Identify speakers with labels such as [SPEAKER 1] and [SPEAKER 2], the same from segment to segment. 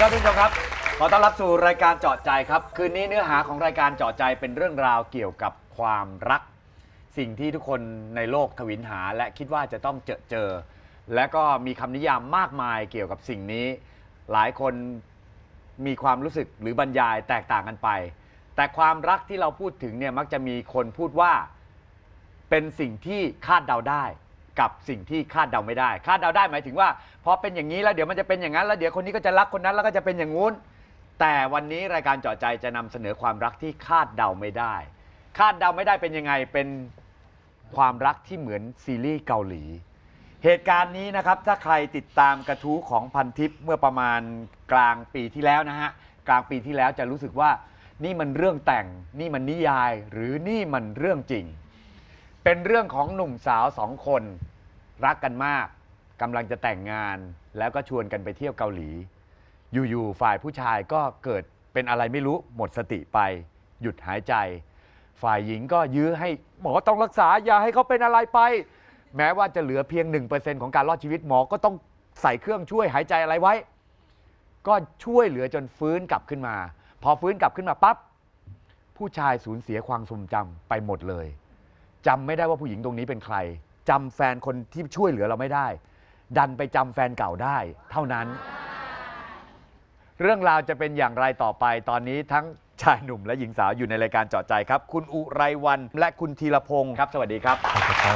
[SPEAKER 1] ครับทุกผู้ชมครับขอต้อนรับสู่รายการเจาะใจครับคืนนี้เนื้อหาของรายการเจาะใจเป็นเรื่องราวเกี่ยวกับความรักสิ่งที่ทุกคนในโลกทวินหาและคิดว่าจะต้องเจอและก็มีคำนิยามมากมายเกี่ยวกับสิ่งนี้หลายคนมีความรู้สึกหรือบรรยายแตกต่างกันไปแต่ความรักที่เราพูดถึงเนี่ยมักจะมีคนพูดว่าเป็นสิ่งที่คาดเดาได้กับสิ่งที่คาดเดาไม่ได้คาดเดาได้หมายถึงว่าพอเป็นอย่างนี้แล้วเดี๋ยวมันจะเป็นอย่างนั้นแล้วเดี๋ยวคนนี้ก็จะรักคนนั้นแล้วก็จะเป็นอย่างงู้นแต่วันนี้รายการเจาะใจจะนำเสนอความรักที่คาดเดาไม่ได้คาดเดาไม่ได้เป็นยังไงเป็นความรักที่เหมือนซีรีส์เกาหลีเหตุการณ์นี้นะครับถ้าใครติดตามกระทู้ของพันทิปเมื่อประมาณกลางปีที่แล้วนะฮะกลางปีที่แล้วจะรู้สึกว่านี่มันเรื่องแต่งนี่มันนิยายหรือนี่มันเรื่องจริงเป็นเรื่องของหนุ่มสาว2 คนรักกันมากกำลังจะแต่งงานแล้วก็ชวนกันไปเที่ยวเกาหลีอยู่ๆฝ่ายผู้ชายก็เกิดเป็นอะไรไม่รู้หมดสติไปหยุดหายใจฝ่ายหญิงก็ยื้อให้หมอต้องรักษาอย่าให้เขาเป็นอะไรไปแม้ว่าจะเหลือเพียง 1% ของการรอดชีวิตหมอก็ต้องใส่เครื่องช่วยหายใจอะไรไว้ก็ช่วยเหลือจนฟื้นกลับขึ้นมาพอฟื้นกลับขึ้นมาปั๊บผู้ชายสูญเสียความทรงจำไปหมดเลยจำไม่ได้ว่าผู้หญิงตรงนี้เป็นใครจำแฟนคนที่ช่วยเหลือเราไม่ได้ดันไปจำแฟนเก่าได้เท่านั้นเรื่องราวจะเป็นอย่างไรต่อไปตอนนี้ทั้งชายหนุ่มและหญิงสาวอยู่ในรายการเจาะใจครับคุณอุไรวรรณและคุณธีรพงศ์ครับสวัสดีครับ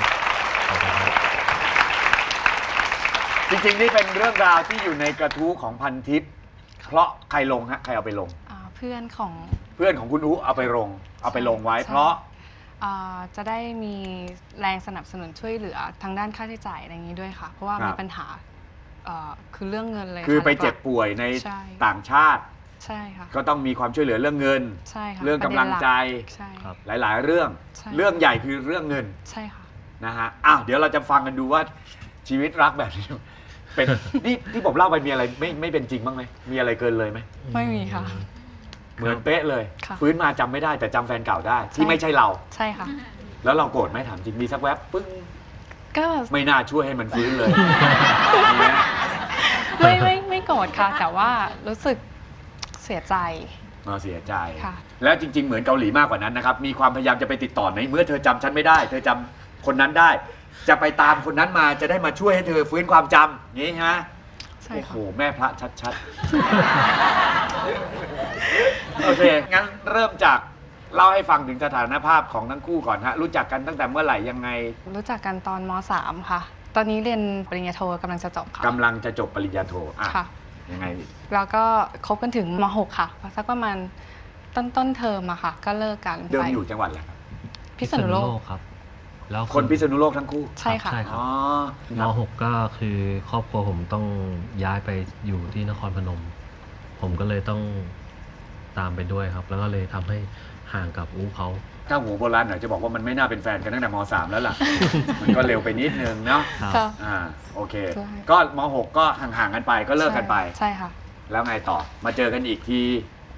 [SPEAKER 1] จริงๆนี่เป็นเรื่องราวที่อยู่ในกระทู้ของพันทิปเพราะใครลงฮะใครเอาไปลง
[SPEAKER 2] เพื่อนของ
[SPEAKER 1] คุณอุเอาไปลงไว้เพราะ
[SPEAKER 2] จะได้มีแรงสนับสนุนช่วยเหลือทางด้านค่าใช้จ่ายอะไรอย่างนี้ด้วยค่ะเพราะว่ามีปัญหาคือเรื่องเงินเลย
[SPEAKER 1] คือไปเจ็บป่วยในต่างชาติ
[SPEAKER 2] ใช่ค่ะ
[SPEAKER 1] ก็ต้องมีความช่วยเหลือเรื่องเงิน
[SPEAKER 2] ใช่ค่ะ
[SPEAKER 1] เรื่องกำลังใจหลายๆเรื่องเรื่องใหญ่คือเรื่องเงิน
[SPEAKER 2] ใช่ค่ะ
[SPEAKER 1] นะฮะเดี๋ยวเราจะฟังกันดูว่าชีวิตรักแบบนี้เป็นนี่ที่ผมเล่าไปมีอะไรไม่เป็นจริงบ้างไหมมีอะไรเกินเลยไหม
[SPEAKER 2] ไม่มีค่ะ
[SPEAKER 1] เหมือนเป๊ะเลยฟื้นมาจำไม่ได้แต่จำแฟนเก่าได้ที่ไม่ใช่เรา
[SPEAKER 2] ใช่ค่ะ
[SPEAKER 1] แล้วเราโกรธไหมถามจริงมีสักแวบปึ้ง
[SPEAKER 2] ก็
[SPEAKER 1] ไม่น่าช่วยให้มันฟื้นเลย
[SPEAKER 2] ไม่โกรธค่ะแต่ว่ารู้สึกเสียใจ
[SPEAKER 1] เสียใจแล้วจริงๆเหมือนเกาหลีมากกว่านั้นนะครับมีความพยายามจะไปติดต่อในเมื่อเธอจำฉันไม่ได้เธอจำคนนั้นได้จะไปตามคนนั้นมาจะได้มาช่วยให้เธอฟื้นความจำงี้ฮะโอ้โหแม่พระชัดๆโอเคงั้นเริ่มจากเล่าให้ฟังถึงสถานภาพของทั้งคู่ก่อนฮะรู้จักกันตั้งแต่เมื่อไหร่ยังไง
[SPEAKER 2] รู้จักกันตอนม.3 ค่ะตอนนี้เรียนปริญญาโทกำลังจะจบค่ะ
[SPEAKER 1] กำลังจะจบปริญญาโท
[SPEAKER 2] ค่ะ
[SPEAKER 1] ยังไง
[SPEAKER 2] แล้วก็คบกันถึงม.6 ค่ะสักประมาณต้นเทอมอะค่ะก็เลิกกัน
[SPEAKER 1] เดิมอยู่จังหวัดอะไรครับ
[SPEAKER 2] พิษณุโลก
[SPEAKER 3] ครับแล้ว
[SPEAKER 1] คนพิษณุโลกทั้งคู่
[SPEAKER 2] ใช่ค่ะ
[SPEAKER 3] ม.6 ก็คือครอบครัวผมต้องย้ายไปอยู่ที่นครพนมผมก็เลยต้องตามไปด้วยครับแล้วก็เลยทำให้ห่างกับอู้เขา
[SPEAKER 1] ถ้าหัวโบราณหน่อยจะบอกว่ามันไม่น่าเป็นแฟนกันตั้งแต่ม.3 แล้วล่ะ มันก็เร็วไปนิดนึงเนาะโอเคก็ม.6 ก็ห่างๆกันไปก็เลิกกันไป
[SPEAKER 2] ใช่ค่ะ
[SPEAKER 1] แล้วไงต่อมาเจอกันอีกที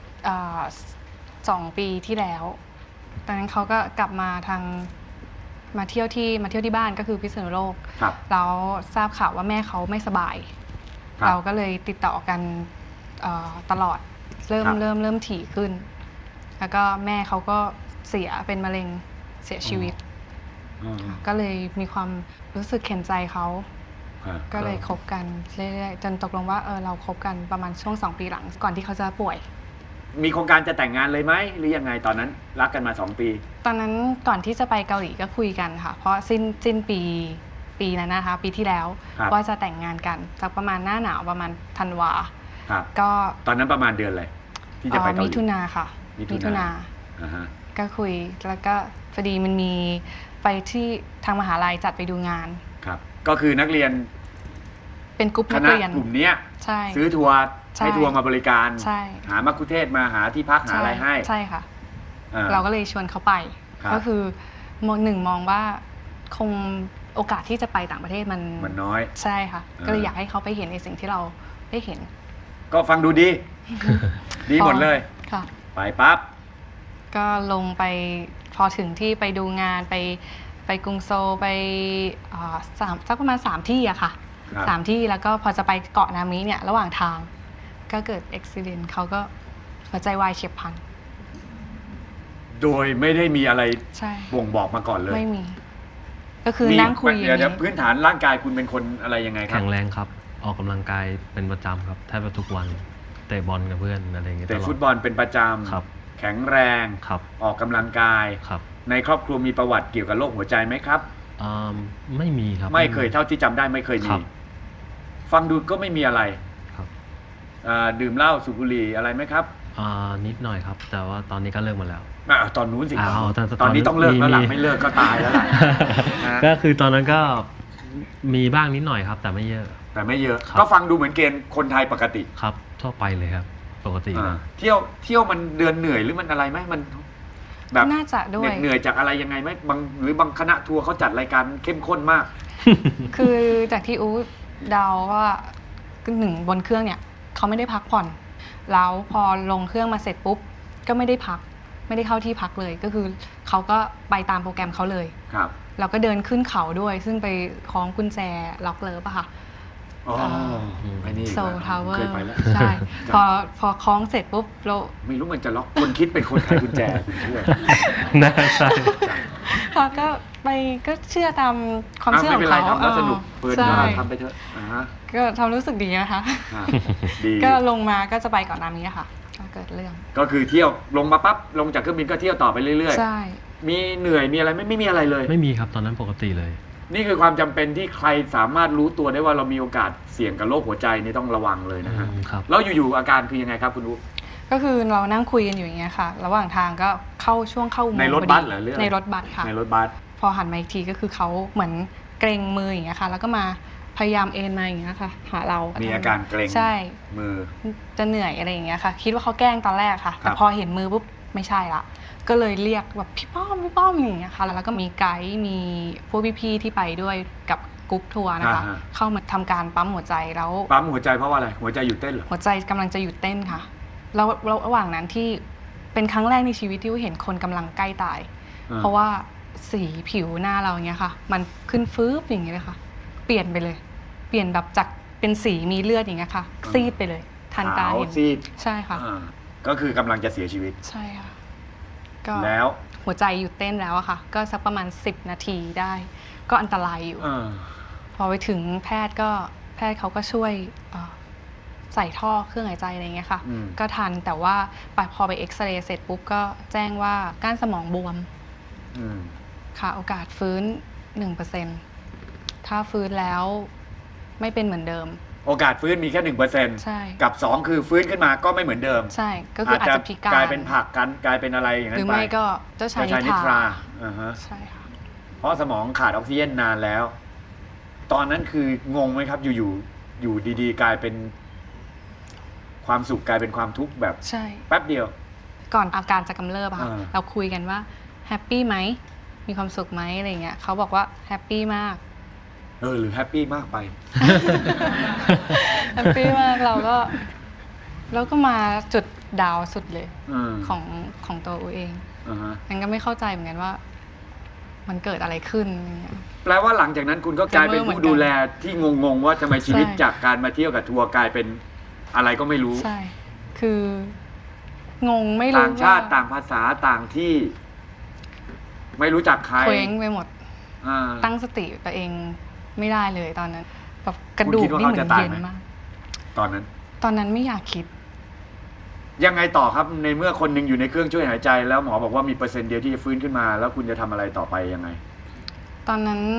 [SPEAKER 2] 2 ปีที่แล้วตอนนั้นเขาก็กลับมามาเที่ยวที่บ้านก็คือพิษณุโลกแล้วทราบข่าวว่าแม่เขาไม่สบายเราก็เลยติดต่อกันตลอดเริ่มถี่ขึ้นแล้วก็แม่เขาก็เสียเป็นมะเร็งเสียชีวิตก็เลยมีความรู้สึกเข็นใจเขาก็เลยคบกันเรื่อยๆจนตกลงว่าเราคบกันประมาณช่วง2 ปีหลังก่อนที่เขาจะป่วย
[SPEAKER 1] มีโครงการจะแต่งงานเลยไหมหรือยังไงตอนนั้นรักกันมา2 ปี
[SPEAKER 2] ตอนนั้นก่อนที่จะไปเกาหลีก็คุยกันค่ะเพราะสิ้นปีนั้นนะคะปีที่แล้วว่าจะแต่งงานกันสักประมาณหน้าหนาวประมาณธันวา
[SPEAKER 1] ก็ตอนนั้นประมาณเดือนอะไรที่จะไปเกาหลี
[SPEAKER 2] มิถุนาค่ะมิถุนาก็คุยแล้วก็พอดีมันมีไปที่ทางมหาลัยจัดไปดูงาน
[SPEAKER 1] ครับก็คือนักเรียน
[SPEAKER 2] เป็นกลุ่มนักเรียน
[SPEAKER 1] กลุ่มนี้ซื้อทัวร์ให้ทัวร์มาบริการหามัคคุเทศก์มาหาที่พักหาอะไรให้
[SPEAKER 2] ใช่ค่ะเราก็เลยชวนเขาไปก็คือมองว่าคงโอกาสที่จะไปต่างประเทศ
[SPEAKER 1] มันน้อย
[SPEAKER 2] ใช่ค่ะก็เลยอยากให้เขาไปเห็นในสิ่งที่เราได้เห็น
[SPEAKER 1] ก็ฟังดูดีดีหมดเลยไปปั๊บ
[SPEAKER 2] ก็ลงไปพอถึงที่ไปดูงานไปกรุงโซลไปสักประมาณ3 ที่อะค่ะ3 ที่แล้วก็พอจะไปเกาะนามิเนี่ยระหว่างทางก็เกิดอุบัติเหตุเขาก็หัวใจวายเฉียบพลัน
[SPEAKER 1] โดยไม่ได้มีอะไร
[SPEAKER 2] ใช่
[SPEAKER 1] บ่งบอกมาก่อนเลย
[SPEAKER 2] ไม่มี ก็คือนั่งคุยอย่าง
[SPEAKER 1] เดี๋ยว
[SPEAKER 2] นี้
[SPEAKER 1] พื้นฐานร่างกายคุณเป็นคนอะไรยังไงครั
[SPEAKER 3] แข็
[SPEAKER 1] บ
[SPEAKER 3] งแรงครับ ออกกำลังกายเป็นประจำครับแทบจะทุกวันเตะบอลกับเพื่อนอะไรอย่างเงี้ย
[SPEAKER 1] แต่
[SPEAKER 3] ตลอด
[SPEAKER 1] ฟุตบอลเป็นประจ
[SPEAKER 3] ครับ
[SPEAKER 1] ำแข็งแรง
[SPEAKER 3] ครับ
[SPEAKER 1] ออกกำลังกาย
[SPEAKER 3] ครับ
[SPEAKER 1] ในครอบครัวมีประวัติเกี่ยวกับโรคหัวใจไหมครับ
[SPEAKER 3] ไม่มีครับ
[SPEAKER 1] ไม่เคยเท่าที่จำได้ไม่เคย
[SPEAKER 3] ค
[SPEAKER 1] มี
[SPEAKER 3] รับ
[SPEAKER 1] ฟังดูก็ไม่มีอะไร
[SPEAKER 3] ครับ
[SPEAKER 1] ดื่มเหล้าสูบบุหรี่อะไรไหมครับ
[SPEAKER 3] นิดหน่อยครับ แต่ว่าตอนนี้ก็เลิกมาแล้ว
[SPEAKER 1] ตอนนู้นสิครับ
[SPEAKER 3] แต่
[SPEAKER 1] ตอนนี้ต้องเลิกแล้วล่ะ
[SPEAKER 3] มี
[SPEAKER 1] ไม่เลิกก็ตายแล้วล่ะนะ
[SPEAKER 3] ก็คือตอนนั้นก็มีบ้างนิดหน่อยครับ แต่ไม่เยอะ
[SPEAKER 1] แต่ไม่เยอะ
[SPEAKER 3] ครับ
[SPEAKER 1] ก็ฟังดูเหมือนเกณฑ์คนไทยปกติ
[SPEAKER 3] ครับทั่วไปเลยครับ ปกติเลย
[SPEAKER 1] เที่ยวมันเดือนเหนื่อยหรือมันอะไรไหมมันแบบ
[SPEAKER 2] น่าจะด้วย
[SPEAKER 1] เหนื่อยจากอะไรยังไงไหมหรือบางคณะทัวร์เขาจัดรายการเข้มข้นมาก
[SPEAKER 2] คือจากที่อูเดาว่าหนึ่งบนเครื่องเนี่ยเขาไม่ได้พักผ่อนแล้วพอลงเครื่องมาเสร็จปุ๊บก็ไม่ได้พักไม่ได้เข้าที่พักเลยก็คือเขาก็ไปตามโปรแกรมเขาเลย
[SPEAKER 1] ครับ
[SPEAKER 2] เราก็เดินขึ้นเขาด้วย ซึ่งไปคล้องกุญแจล็อกเลิฟอะค่ะ
[SPEAKER 1] อ๋อไอ้นี่
[SPEAKER 2] โซลทาวเวอ
[SPEAKER 1] เคย
[SPEAKER 2] ร์
[SPEAKER 1] ไปแล้ว
[SPEAKER 2] ใช่ พอคล้องเสร็จปุ๊บเรา
[SPEAKER 1] ไม่รู้มันจะล็อกคนคิดเป็นคนไขกุญแจคุณเชื่อ
[SPEAKER 3] น่าใช่
[SPEAKER 2] ค่ะก็ไปก็เชื่อตามความเชื่อ
[SPEAKER 1] ไม่
[SPEAKER 2] ขอ
[SPEAKER 1] เป็น
[SPEAKER 2] ง
[SPEAKER 1] ไร
[SPEAKER 2] เขา
[SPEAKER 1] ทำแล้วสนุกเปิด
[SPEAKER 2] ใช่
[SPEAKER 1] มาทำไปเถอะฮะ
[SPEAKER 2] ก็ทำรู้สึกดีนะคะ
[SPEAKER 1] ดี
[SPEAKER 2] ก็ลงมาก็จะไปก่อนหน้านี้ค่ะก็เกิดเรื่อง
[SPEAKER 1] ก็คือเที่ยวลงมาปั๊บลงจากเครื่องบินก็เที่ยวต่อไปเรื่อย
[SPEAKER 2] ใช่
[SPEAKER 1] ๆ มีเหนื่อยมีอะไรไม่มีอะไรเลย
[SPEAKER 3] ไม่มีครับตอนนั้นปกติเลย
[SPEAKER 1] นี่คือความจำเป็นที่ใครสามารถรู้ตัวได้ว่าเรามีโอกาสเสี่ยงกับโรคหัวใจนี่ต้องระวังเลยนะฮะ
[SPEAKER 3] ครับ
[SPEAKER 1] แล้วอยู่ๆอาการคือยังไงครับคุณอุ๊
[SPEAKER 2] ก็คือเรานั่งคุยกันอยู่อย่างเงี้ยค่ะ ระหว่างทางก็เข้าช่วงเข้าอุโมงค์
[SPEAKER 1] ในรถ
[SPEAKER 2] พอดี
[SPEAKER 1] บัสเหรอหรืออะไร
[SPEAKER 2] ในรถบัสค่ะ
[SPEAKER 1] ในรถบัส
[SPEAKER 2] พอหันมาอีกทีก็คือเขาเหมือนเกรงมืออย่างเงี้ยค่ะ แล้วก็มาพยายามเอ็นมาอย่างเงี้ยค่ะหาเรา
[SPEAKER 1] มี
[SPEAKER 2] มี
[SPEAKER 1] อาการเกร็ง
[SPEAKER 2] ใช่
[SPEAKER 1] มือ
[SPEAKER 2] จะเหนื่อยอะไรอย่างเงี้ยค่ะ คิดว่าเขาแกล้งตอนแรกค่ะ
[SPEAKER 1] ครั
[SPEAKER 2] แต่
[SPEAKER 1] บ
[SPEAKER 2] พอเห็นมือปุ๊บไม่ใช่ละก็เลยเรียกแบบพี่ป้อมอย่างเงี้ยค่ะแล้วก็มีไกด์มีพวกพี่ๆที่ไปด้วยกับกรุ๊ปทัวร์นะคะ เข้ามาทำการปั๊มหัวใจแล้ว
[SPEAKER 1] ปั๊มหัวใจเพราะว่าอะไรหัวใจหยุดเต้นเหรอ
[SPEAKER 2] หัวใจกำลังจะหยุดเต้นค่ะแล้วระหว่างนั้นที่เป็นครั้งแรกในชีวิตที่เห็นคนกำลังใกล้ตาย เพราะว่าสีผิวหน้าเราเงี้ยค่ะ มันขึ้นฟืบอย่างเงี้ยเลยค่ะ เปลี่ยนไปเลย เปลี่ยนแบบจากเป็นสีมีเลือดอย่างเงี้ยค่ะ ซีดไปเลย ทันตา
[SPEAKER 1] ขาว
[SPEAKER 2] เห็น
[SPEAKER 1] ซีด
[SPEAKER 2] ใช่ค่ะ
[SPEAKER 1] ก็คือกำลังจะเสียชีวิต
[SPEAKER 2] ใช่ค่ะ ก็
[SPEAKER 1] แล้ว
[SPEAKER 2] หัวใจหยุดเต้นแล้วอะค่ะ ก็สักประมาณ10 นาทีได้ ก็อันตรายอยู่ พอไปถึงแพทย์เขาก็ช่วยใส่ท่อเครื่องหายใจอะไรเงี้ยค่ะ ก็ทันแต่ว่าพอไปเอ็กซเรย์เสร็จปุ๊บก็แจ้งว่าก้านสมองบวมค่ะโอกาสฟื้น 1%ถ้าฟื้นแล้วไม่เป็นเหมือนเดิม
[SPEAKER 1] โอกาสฟื้นมีแค่ 1%
[SPEAKER 2] ใช่
[SPEAKER 1] กับ 2 คือฟื้นขึ้นมาก็ไม่เหมือนเดิม
[SPEAKER 2] ใช่ก็คืออาจจะพิการ
[SPEAKER 1] กลายเป็นผักกันกลายเป็นอะไรอย่างนั้
[SPEAKER 2] หรื
[SPEAKER 1] น
[SPEAKER 2] อ
[SPEAKER 1] ไป
[SPEAKER 2] ไม่ก็เจ้าชาย
[SPEAKER 1] นิ
[SPEAKER 2] นิ
[SPEAKER 1] ท
[SPEAKER 2] ท
[SPEAKER 1] รา
[SPEAKER 2] รา
[SPEAKER 1] ใช่
[SPEAKER 2] ใช่ค่ะ
[SPEAKER 1] เพราะสมองขาดออกซิเจนนานแล้ว ตอนนั้นคืองงไหมครับอยู่ดีๆ กลายเป็นความสุขกลายเป็นความทุกข์แบบ
[SPEAKER 2] ใช่
[SPEAKER 1] แป๊บเดียว
[SPEAKER 2] ก่อนอาการจะกำเริบอะค่ะ
[SPEAKER 1] อ่า
[SPEAKER 2] เราคุยกันว่าแฮปปี้ไหมมีความสุขไหมอะไรเงี้ยเขาบอกว่าแฮปปี้มาก
[SPEAKER 1] หรือแฮปปี้มากไป
[SPEAKER 2] แฮปปี้มากเราก็มาจุดดาวสุดเลย ของตัวอูเองมันก็ไม่เข้าใจเหมือนกันว่า มันเกิดอะไรขึ้นอย่างเงี้ย
[SPEAKER 1] แปลว่าหลังจากนั้นคุณก็กลายเป็นผู้ดูแลที่งงๆว่าทำไมชีวิต
[SPEAKER 2] ใช่
[SPEAKER 1] จากการมาเที่ยวกับทัวร์กลายเป็นอะไรก็ไม่รู้
[SPEAKER 2] ใช่ คืองงไม่รู้
[SPEAKER 1] ต่างชาติต่างภาษาต่างที่ ไม่รู้จักใคร
[SPEAKER 2] เคว้งไปหมด
[SPEAKER 1] อ่า
[SPEAKER 2] ตั้งสติตัวเองไม่ได้เลยตอนนั้นแบบกระดู
[SPEAKER 1] คุ
[SPEAKER 2] ก
[SPEAKER 1] ณคิดว่า
[SPEAKER 2] นี่เหมือน
[SPEAKER 1] เขาจะตาย
[SPEAKER 2] เย็น
[SPEAKER 1] ไหม
[SPEAKER 2] มาก
[SPEAKER 1] ตอนนั้น
[SPEAKER 2] ตอนนั้นไม่อยากคิด
[SPEAKER 1] ยังไงต่อครับในเมื่อคนหนึ่งอยู่ในเครื่องช่วยหายใจ แล้วหมอบอกว่ามีเปอร์เซ็นต์เดียวที่จะฟื้นขึ้นมา แล้วคุณจะทำอะไรต่อไปยังไง
[SPEAKER 2] ตอนนั้น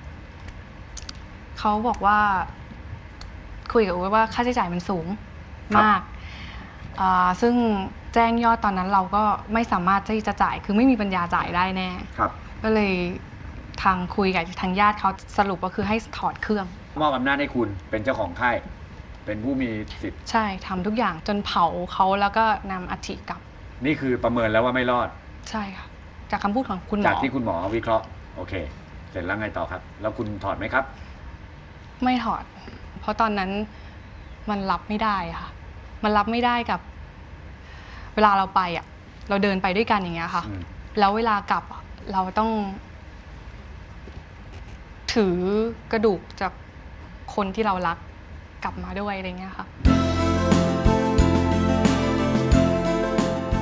[SPEAKER 2] เขาบอกว่า คุยกับอูว่าค่าใช้จ่ายมันสูง
[SPEAKER 1] ครับ
[SPEAKER 2] มากซึ่งแจ้งยอดตอนนั้นเราก็ไม่สามารถที่จะจ่ายคือไม่มีปัญญาจ่ายได้แน่
[SPEAKER 1] ครับ
[SPEAKER 2] ก็เลยทางคุยกับทางญาติเขาสรุปก็คือให้ถอดเครื่อง
[SPEAKER 1] มอบอำนาจให้คุณเป็นเจ้าของค่ายเป็นผู้มีสิทธิ์
[SPEAKER 2] ใช่ทำทุกอย่างจนเผาเขาแล้วก็นำอัฐิกลับ
[SPEAKER 1] นี่คือประเมินแล้วว่าไม่รอด
[SPEAKER 2] ใช่ค่ะ จากคำพูดของคุณหม
[SPEAKER 1] จาก
[SPEAKER 2] อ
[SPEAKER 1] ที่คุณหมอวิเคราะห์โอเค เสร็จแล้วไงต่อครับ แล้วคุณถอดไหมครับ
[SPEAKER 2] ไม่ถอด เพราะตอนนั้นมันรับไม่ได้ค่ะ มันรับไม่ได้กับ เวลาเราไปอ่ะ เราเดินไปด้วยกันอย่างเงี้ยค่ะ แล้วเวลากลับเราต้อง ถือกระดูกจากคนที่เรารักกลับมาด้วยอะไรเงี้ยค่ะ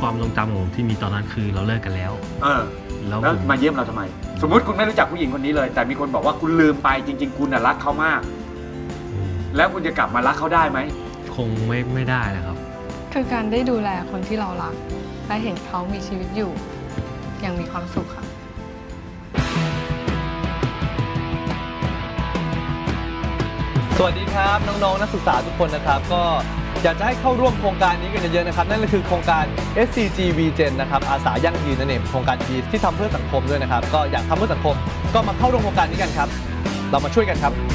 [SPEAKER 3] ความทรงจำของผมที่มีตอนนั้นคือเราเลิกกันแล้ว
[SPEAKER 1] แล้ว
[SPEAKER 3] ผม
[SPEAKER 1] มาเยี่ยมเราทำไม สมมติคุณไม่รู้จักผู้หญิงคนนี้เลย แต่มีคนบอกว่าคุณลืมไปจริง ๆ คุณน่ะรักเขามาก แล้วคุณจะกลับมารักเขาได้ไหม
[SPEAKER 3] คงไม่ได้นะครับ
[SPEAKER 2] คือการได้ดูแลคนที่เรารักและเห็นเขามีชีวิตอยู่อย่างมีความสุขค่ะ
[SPEAKER 4] สวัสดีครับน้องๆนักศึกษาทุกคนนะครับก็อยากจะให้เข้าร่วมโครงการนี้กันเยอะๆนะครับนั่นก็คือโครงการ SCG VGen นะครับอาสายั่งยืนนั่นเองโครงการดีที่ทำเพื่อสังคมด้วยนะครับก็อยากทำเพื่อสังคมก็มาเข้าร่วมโครงการนี้กันครับเรามาช่วยกันครับ